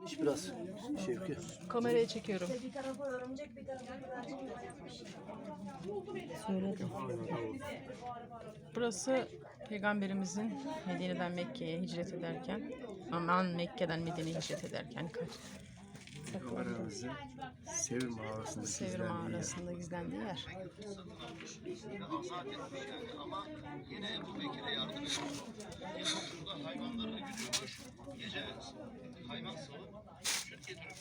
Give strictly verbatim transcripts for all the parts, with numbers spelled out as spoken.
İç biraz Şevki. Kameraya çekiyorum. Bir tarafa örümcek, bir tarafa güvercin yapmış. Söyledim. Burası Peygamberimizin Medine'den Mekke'ye hicret ederken, aman Mekke'den Medine'ye hicret ederken kaç? Peygamberimizin Sevir mağarasında Sevir gizlendiği yer. mağarasında gizlendiği yer. Ama yine Ebu Bekir'e yardım ediyor. Burada hayvanlarını güdüyormuş. Gece hayvan salıp süt getiriyor.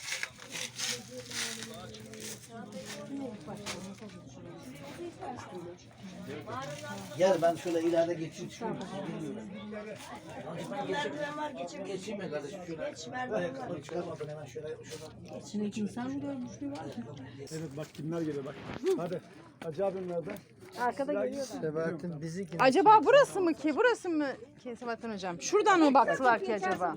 Gel ben şöyle ileride geçeyim. Şöyle Merdiven var, geçebilirsin. geçeyim mi kardeşim? Şöyle. Geç, merdiven var. Çıkarmadın hemen şöyle. şuradan. İçine insan mı görmüşlüğü var? Evet bak kimler geliyor bak. Hadi. Hacı abim nerede? Arkada geliyor. Sebahattin bizi kim? Acaba burası mı ki? Burası mı ki Sebahattin Hocam? Şuradan mı baktılar ki acaba?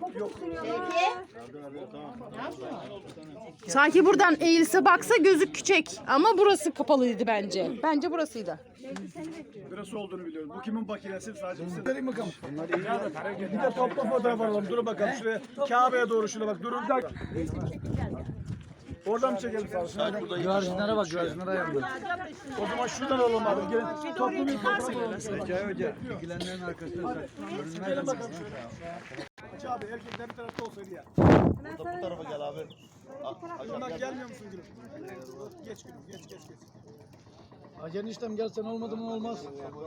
Sanki buradan eğilse baksa gözü küçük ama burası kapalıydı bence. Bence burasıydı. Burası olduğunu biliyorum. Bu kimin makinesi sadece bize. Verin bakalım. Bir de topla fotoğraf alalım. Durun bakalım şuraya. Kabe'ye doğru şuna bak. Durun bir dakika. Oradan mı çekelim sağ olsun? Güvercinlere bak güvercinlere ayırdı. O zaman şuradan alalım abi. Gelin. Toplu bir fotoğraf alalım. Zeki Hoca. İlgilenenlerin arkasında Gelin bakalım şöyle. Hacı abi erkekler bir tarafta olsaydı ya. Bu tarafa gel abi. Bundan gelmiyor musun gülüm? Geç gülüm. Geç geç geç. Hacı eniştem gelsen olmadı mı olmaz.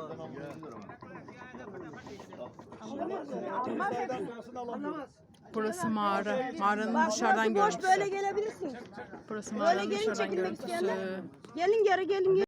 Sayıdan sonrasını alamıyorum. Burası mağara. Mağaranın dışarıdan Boş böyle görüntüsü. gelebilirsin. Burası Böyle mağaranın gelin dışarıdan çekilmek görüntüsü. isteyenler. Gelin geri gelin.